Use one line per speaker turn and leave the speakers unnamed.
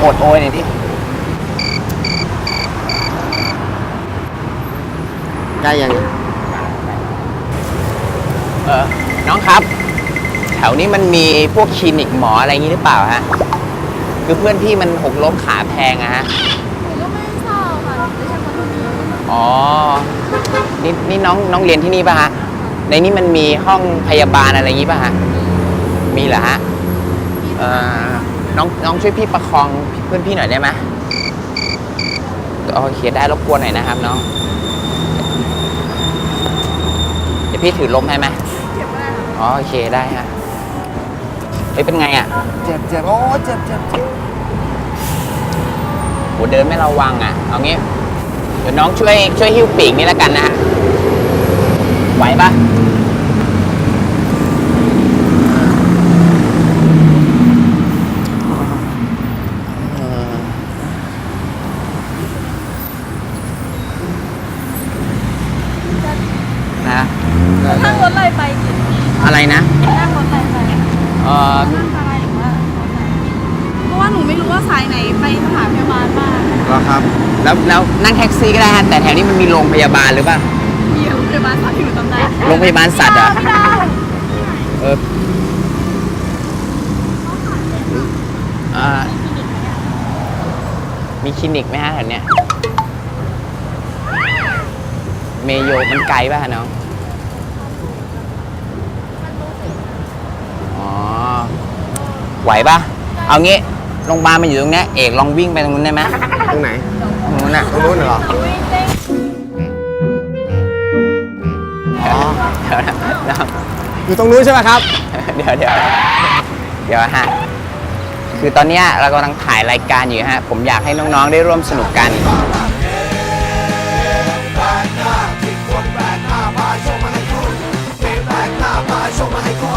อดโอยหน่อยดิได้ยังน้องครับ แถวนี้มันมีพวกคลินิกหมออะไรอย่างนี้หรือเปล่าฮะคือเพื่อนพี่มันหกล้มขาแพงอะฮะ
หนูก็ไม่ทราบค่ะไม่ใช่คนที่นี่
อ๋อนี่น้องเรียนที่นี่ป่ะฮะในนี้มันมีห้องพยาบาลอะไรอย่างนี้ป่ะฮะมีเหรอฮะน้องช่วยพี่ประคองเพื่อนพี่หน่อยได้ไหมโอเคได้รบกวนหน่อยนะครับน้องเดี๋ยวพี่ถือล้มให้ไหม
เจ็บมากค่ะ
อ๋อโอเคได้ฮะเฮ้ยเป็นไงอ่ะ
เจ็บโอ้เจ็บ
โหเดินไม่ระวังอ่ะเอางี้เดี๋ยวน้องช่วยหิ้วปีกนี่แล้วกันนะฮะไหวปะนะ
นั่งรถอะไรไปกิน
อะไรนะ
นั่งรถอะไรไปนั่งอะไรหรือว่ารถไหนเพราะว่าหนูไม่รู้ว่าสายไหนไปสถานพยาบาลบ้าง
เหรอครับ
แล้วนั่งแท็กซี่ก็ได้ฮะแต่แถวนี้มันมีโรงพยาบาลหรือเปล่า
มีโรงพยาบาลสัตว์ที่หนูจำได้
โรงพยาบาลสัตว์เหรอมีคลินิกไหมฮะแถวเนี้ยเมโยมันไกลป่ะน้องอ๋อไหวป่ะเอางี้โรงพยาบาลมันอยู่ตรงนี้เอกลองวิ่งไปตรงนู้นได้ไหม
ตรงไหน
ตรงนู้นน่ะ
ตรงนู้นเหรออ๋ออยู่ตรงนู้นใช่ไหมครับ
เดี๋ยวฮะคือตอนนี้เรากำลังถ่ายรายการอยู่ฮะผมอยากให้น้องๆได้ร่วมสนุกกัน
แปลกหน้าที่คนแปลกหน้ามาโชว์มาให้คุณแปลกหน้ามาโชว์มาให้คุณ